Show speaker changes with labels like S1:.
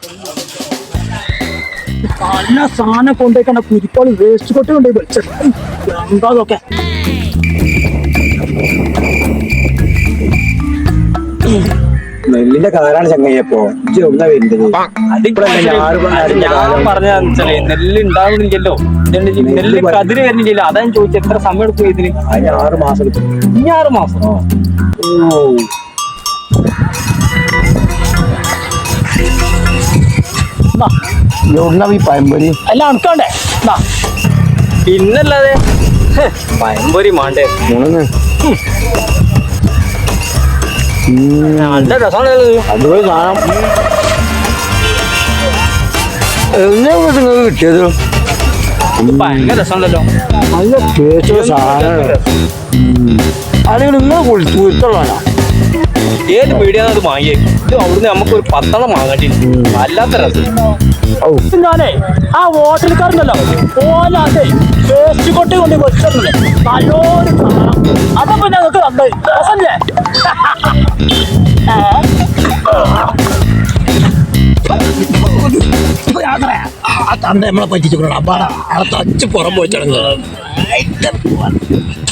S1: നല്ല സാധനം കൊണ്ടുപോയിക്കണ്ട കുരിക്കോളി വേസ്റ്റ് കൊട്ടി കൊണ്ടുപോയി വിളിച്ചത് എന്താ അതൊക്കെ
S2: നെല്ലിന്റെ കളറാണ് ചങ്ങയ്യപ്പോ ഒന്നാ വരുന്നത്.
S3: ഞാൻ പറഞ്ഞാൽ നെല്ല് ഉണ്ടാവുന്നില്ലല്ലോ, നെല്ല് കതിര് വരുന്നില്ലല്ലോ. അതാ ഞാൻ ചോദിച്ചത് എത്ര സമയം എടുക്കും ഇതിന്?
S2: അതിന് 6 മാസം എടുക്കും.
S3: ഇനി 6 മാസം? ഓ,
S2: ഈ പഴംപൊരി
S1: അല്ല അണക്കണ്ടേ
S3: പിന്നല്ലാതെ പഴംപൊരി മാണ്ടേ? നല്ല രസമാണല്ലോ.
S2: അതുപോലെ സാധനം നിങ്ങൾക്ക് കിട്ടിയത്
S3: ഭയങ്കര രസമുണ്ടല്ലോ.
S2: നല്ല ടേസ്റ്റ് സാധനമാണ്. അല്ലെങ്കിൽ നിങ്ങൾ കുളിച്ചുള്ളതാണോ?
S3: ഏത് പീടിയാന്ന് അത് വാങ്ങിയേ? ഇത് അവിടുന്ന് നമുക്ക് ഒരു 10 വാങ്ങേണ്ടി. വല്ലാത്ത രസം.
S1: ഞാനേ ആ ഹോട്ടൽക്കാരുണ്ടല്ലോ ഓലാതെ വേസ്റ്റ് കൊട്ടി കൊണ്ട് വെച്ചിട്ടുണ്ട് നല്ലൊരു സാധനം. അതപ്പോ ഞങ്ങൾക്ക് തന്നത് രസല്ലേ? ആ തന്ത നമ്മളെ പറ്റിച്ചു അപ്പാടാ അവിടെ തച്ച് പുറം പോയിട്ടാണ്